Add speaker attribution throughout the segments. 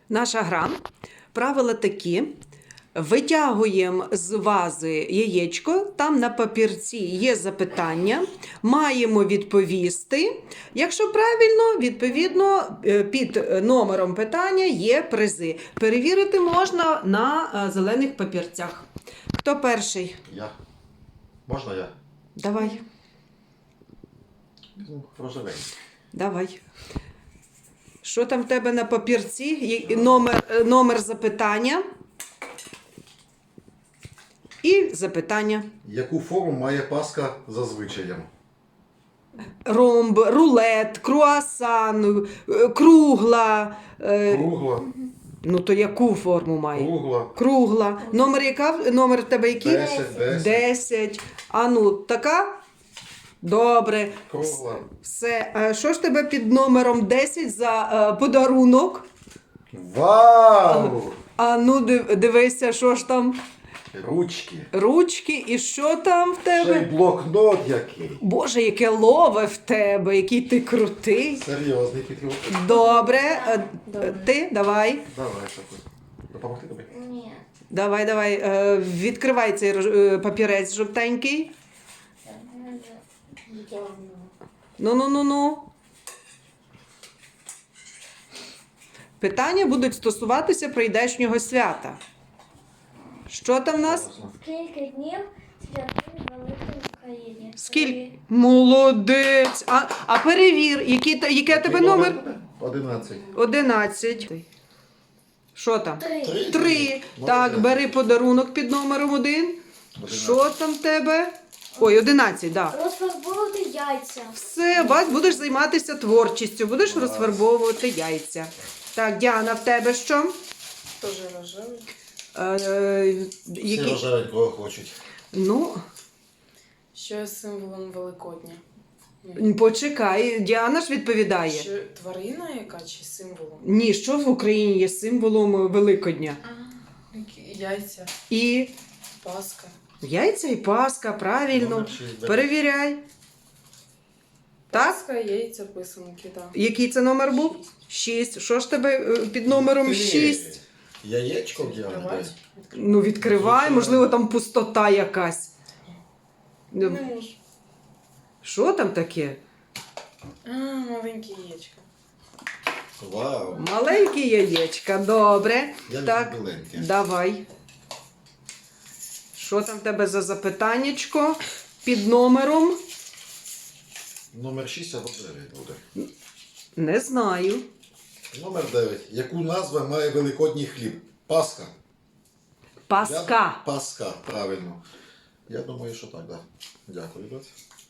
Speaker 1: Наша гра. Правила такі. Витягуємо з вази яєчко, там на папірці є запитання, маємо відповісти. Якщо правильно, відповідно, під номером питання є призи. Перевірити можна на зелених папірцях. Хто перший?
Speaker 2: Я. Можна я?
Speaker 1: Давай.
Speaker 2: Рожевий.
Speaker 1: Давай. Що там в тебе на папірці? Номер запитання. І запитання.
Speaker 2: Яку форму має паска за звичаєм?
Speaker 1: Ромб, рулет, круасан, кругла.
Speaker 2: Кругла.
Speaker 1: Ну то яку форму має?
Speaker 2: Кругла.
Speaker 1: Кругла. Номер в тебе який?
Speaker 2: 10.
Speaker 1: 10. А ну, така? Добре.
Speaker 2: Кругла.
Speaker 1: Все. А що ж тебе під номером 10 за подарунок?
Speaker 2: Вау!
Speaker 1: А ну дивися, що ж там?
Speaker 2: Ручки.
Speaker 1: Ручки. І що там в
Speaker 2: Ще й
Speaker 1: тебе?
Speaker 2: блокнот який.
Speaker 1: Боже, яке лове в тебе, який ти крутий.
Speaker 2: Серйозний підхід.
Speaker 1: Добре. Ти давай.
Speaker 2: Давай, Шаку. Допомогти тобі?
Speaker 3: Ні.
Speaker 1: Давай. Відкривай цей папірець жовтенький. Ну. Питання будуть стосуватися прийдешнього свята. Що там в нас?
Speaker 3: Скільки днів святий Великій Україні?
Speaker 1: Скільки? Молодець. А перевір, яке тебе номер?
Speaker 2: 11.
Speaker 1: 11. Що там?
Speaker 3: 3.
Speaker 1: 3. Так, бери подарунок під номером 1. Що там в тебе? Ой, 11, так.
Speaker 3: Розфарбовувати яйця.
Speaker 1: Все, бач, будеш займатися творчістю, будеш розфарбовувати яйця. Так, Діана, в тебе що?
Speaker 4: Тоже рожевий.
Speaker 2: Всі рожевенького хочуть.
Speaker 1: Ну,
Speaker 4: Що є символом Великодня?
Speaker 1: почекай, Діана ж відповідає.
Speaker 4: Що тварина яка чи символом?
Speaker 1: Ні, що в Україні є символом Великодня?
Speaker 4: Яйця,
Speaker 1: І
Speaker 4: паска.
Speaker 1: яйця і Пасха, правильно.
Speaker 2: Номер 6, бери.
Speaker 1: Перевіряй. Так?
Speaker 4: Паска, яйця, писанки, так.
Speaker 1: Який це номер був? 6. Що ж тебе під номером 6?
Speaker 2: Яєчко в Діані
Speaker 4: Відкривати?
Speaker 2: дай.
Speaker 1: Ну, відкривай, можливо, там пустота якась.
Speaker 4: Не можу.
Speaker 1: Що там таке?
Speaker 4: Маленьке яєчко.
Speaker 2: Вау.
Speaker 1: Маленьке яєчка, добре.
Speaker 2: Я
Speaker 1: Так,
Speaker 2: люблю біленьке.
Speaker 1: давай. Що там в тебе за запитаннячко під номером?
Speaker 2: Номер 6 або 9 буде.
Speaker 1: Не знаю.
Speaker 2: Номер 9. Яку назву має великодній хліб? Пасха.
Speaker 1: Паска.
Speaker 2: Пасха, правильно. Я думаю, що так, так. Дякую, доць.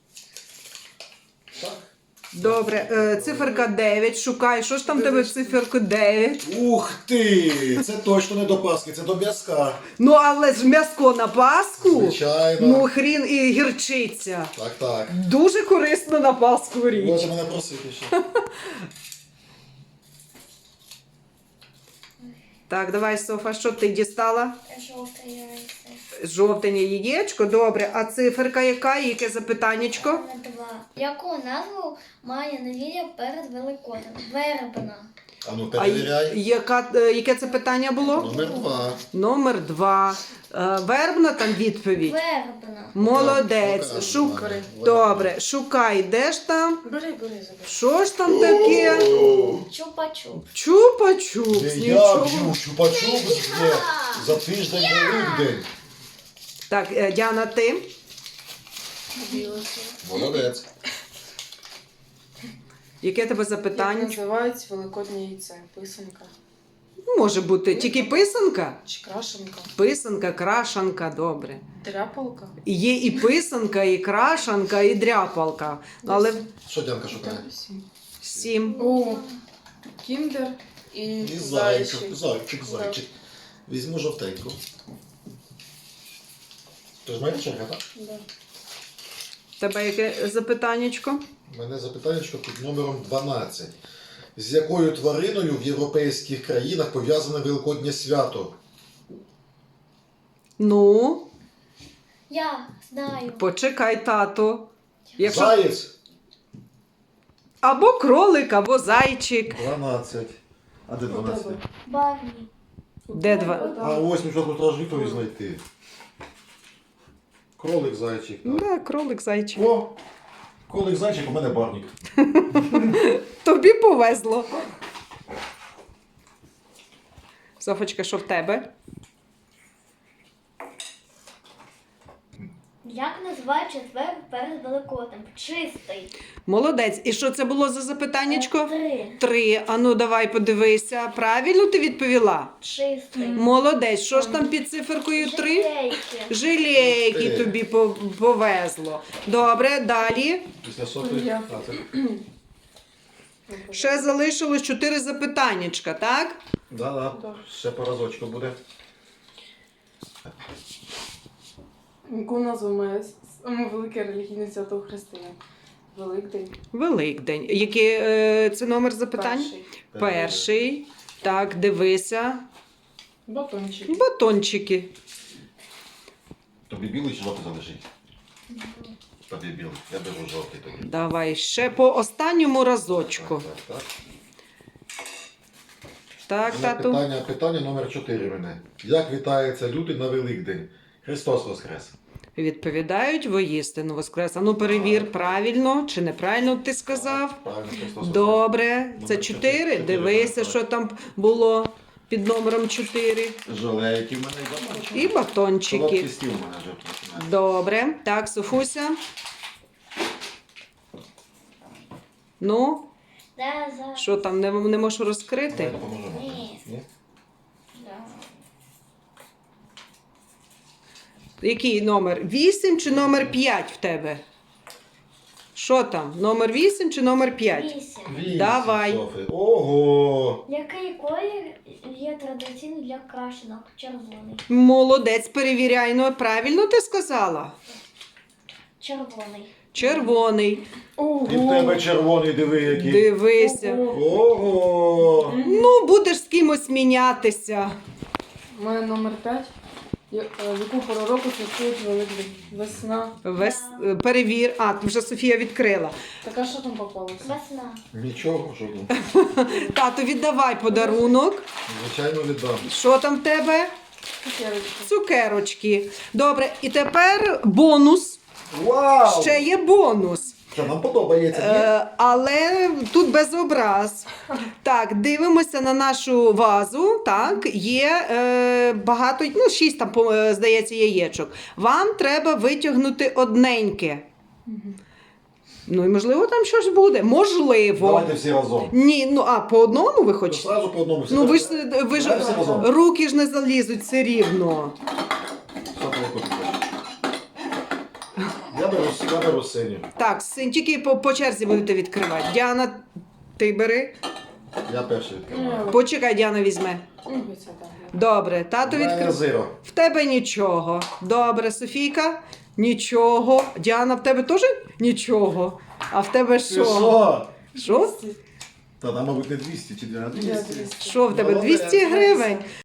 Speaker 2: Так.
Speaker 1: Добре, циферка 9. Шукай. Що ж там в тебе в циферку 9?
Speaker 2: Ух ти! Це точно не до Пасхи, це до м'язка.
Speaker 1: Ну, але ж м'яско на Пасху.
Speaker 2: Звичайно.
Speaker 1: Ну, хрін і гірчиця.
Speaker 2: Так.
Speaker 1: Дуже корисно на Пасху річ.
Speaker 2: Може мене просити ще.
Speaker 1: Так, давай, Софа, що ти дістала?
Speaker 3: Жовте яйце.
Speaker 1: Жовтене яєчко, добре. А циферка яка? І яке запитаннячко?
Speaker 3: Номер 2. Яку назву має неділя перед Великоднем? Вербна.
Speaker 2: А ну
Speaker 1: А
Speaker 2: перевіряй.
Speaker 1: яке це питання було?
Speaker 2: Номер 2.
Speaker 1: Номер 2. Вербна там відповідь.
Speaker 3: Вербна.
Speaker 1: Молодець.
Speaker 2: Так,
Speaker 1: Шукай.
Speaker 2: покажи.
Speaker 1: Добре, шукай, де ж там?
Speaker 4: Бери, забери.
Speaker 1: Що ж там таке?
Speaker 3: Чупа-чуп.
Speaker 1: Чупа-чупс.
Speaker 2: Я
Speaker 1: Нічого.
Speaker 2: б'ю чупа-чуп за тиждень Великдень.
Speaker 1: Так, Діана, ти?
Speaker 2: Молодець.
Speaker 1: Яке тебе
Speaker 4: Як
Speaker 1: запитання?
Speaker 4: називають великоднє яйце? Писанка
Speaker 1: Може бути тільки писанка?
Speaker 4: чи крашенка?
Speaker 1: Писанка, крашанка, добре.
Speaker 4: Дряпалка?
Speaker 1: Є і писанка, і крашанка, і дряпалка. Але
Speaker 2: Що Дянка шукає?
Speaker 1: 7.
Speaker 4: О, кіндер і
Speaker 2: І
Speaker 4: зайчик.
Speaker 2: зайчик. Візьму жовтеньку. Тож моя черга, так?
Speaker 4: Да.
Speaker 1: Тебе яке запитаннячко?
Speaker 2: У мене запитання під номером 12. З якою твариною в європейських країнах пов'язане Великоднє свято?
Speaker 1: Ну,
Speaker 3: Я знаю.
Speaker 1: почекай, тато.
Speaker 2: Заєць?
Speaker 1: Або кролик, або зайчик.
Speaker 2: 12. А де 12?
Speaker 3: Барні.
Speaker 1: Де два?
Speaker 2: А ось ми що тут відповідь знайти. Кролик, зайчик. Так.
Speaker 1: Да, кролик зайчик.
Speaker 2: О! Кролик, зайчик, у мене барник.
Speaker 1: Тобі повезло. Софочка, що в тебе?
Speaker 3: Як називають четвер перед Великоднем? Чистий.
Speaker 1: Молодець. І що це було за запитаннячко?
Speaker 3: 3.
Speaker 1: 3. Ану, давай подивися. Правильно ти відповіла?
Speaker 3: Чистий.
Speaker 1: Молодець. Що ж там під циферкою 3?
Speaker 3: Жилейки.
Speaker 1: Жилейки
Speaker 2: Ух ти.
Speaker 1: тобі повезло. Добре, далі.
Speaker 2: Після Софи.
Speaker 4: Я.
Speaker 2: А, це...
Speaker 1: Ще залишилось 4 запитаннячка, так?
Speaker 2: Да.
Speaker 4: Так.
Speaker 2: Ще по разочку буде.
Speaker 4: Яку назву має саме велике релігійне свято у християн? Великдень.
Speaker 1: Великдень. Який це номер запитань?
Speaker 4: Перший.
Speaker 1: Перший. Так, дивися.
Speaker 4: Батончик.
Speaker 1: Батончики.
Speaker 2: Тобі білий чи жовтий залишить? Тобі білий. Я беру жовтий тоді.
Speaker 1: Давай ще по останньому разочку.
Speaker 2: Так.
Speaker 1: Так,
Speaker 2: У мене
Speaker 1: тату.
Speaker 2: питання номер 4 мене. Як вітається люди на Великдень? Христос Воскрес.
Speaker 1: Відповідають воістину воскрес. Ну перевір, правильно чи неправильно ти сказав.
Speaker 2: Правильно, Христос Воскрес.
Speaker 1: Добре. Це
Speaker 2: Номер
Speaker 1: 4.
Speaker 2: чотири.
Speaker 1: Дивися,
Speaker 2: Так.
Speaker 1: що там було під номером 4.
Speaker 2: Жалейки в мене і батончики.
Speaker 1: І батончики.
Speaker 2: Солодкий стіл у мене вже починається.
Speaker 1: Добре. Так, Софуся. Ну,
Speaker 3: Да, за.
Speaker 1: що там, не можеш розкрити?
Speaker 2: Давай допоможемо.
Speaker 3: Ні.
Speaker 2: Ні?
Speaker 3: Да.
Speaker 1: Який номер? 8 чи номер 5 в тебе? Що там? Номер 8 чи номер 5?
Speaker 3: 8.
Speaker 2: Вісім,
Speaker 1: Давай.
Speaker 2: Софи. Ого!
Speaker 3: Який колір є традиційний для крашенок? Червоний.
Speaker 1: Молодець, перевіряй. Ну, правильно ти сказала?
Speaker 3: Червоний.
Speaker 1: Червоний.
Speaker 4: Ого!
Speaker 2: І в тебе червоний, диви який.
Speaker 1: Дивися.
Speaker 4: Ого.
Speaker 2: Ого!
Speaker 1: Ну, будеш з кимось мінятися.
Speaker 4: У мене номер 5. Яку пору року святкують Великдень? Весна.
Speaker 1: Перевір. А, вже Софія відкрила.
Speaker 4: Така що там попалося?
Speaker 3: Весна.
Speaker 2: Нічого, жодного.
Speaker 1: Тату, віддавай подарунок.
Speaker 2: Звичайно, віддам.
Speaker 1: Що там в тебе?
Speaker 4: Цукерочки.
Speaker 1: Цукерочки. Добре, і тепер бонус.
Speaker 2: Вау!
Speaker 1: Ще є бонус.
Speaker 2: Що нам подобається, ні?
Speaker 1: Але тут без образ. Так, дивимося на нашу вазу. Так, є багато, 6 там, здається, яєчок. Вам треба витягнути одненьке. Ну і можливо там щось буде. Можливо.
Speaker 2: Давайте всі разом.
Speaker 1: Ні, по одному ви
Speaker 2: То
Speaker 1: хочете?
Speaker 2: Зразу по одному.
Speaker 1: Ну ви ж
Speaker 2: Давай всі разом.
Speaker 1: руки ж не залізуть все рівно.
Speaker 2: Софи, яку ти хочеш? Я беру синю.
Speaker 1: Так, тільки по черзі будете відкривати. Діана, ти бери.
Speaker 2: Я перший відкриваю.
Speaker 1: Почекай, Діана візьме.
Speaker 4: Це так.
Speaker 1: Добре, тато
Speaker 2: У мене
Speaker 1: відкрив.
Speaker 2: зиро.
Speaker 1: В тебе нічого. Добре, Софійка, нічого. Діана, в тебе теж нічого. А в тебе
Speaker 2: Ти
Speaker 1: що?
Speaker 2: що?
Speaker 1: Що?
Speaker 2: Та там, мабуть, не 200 чи 200.
Speaker 4: Я 200.
Speaker 1: Що в тебе?
Speaker 2: Молодець.
Speaker 1: 200 гривень?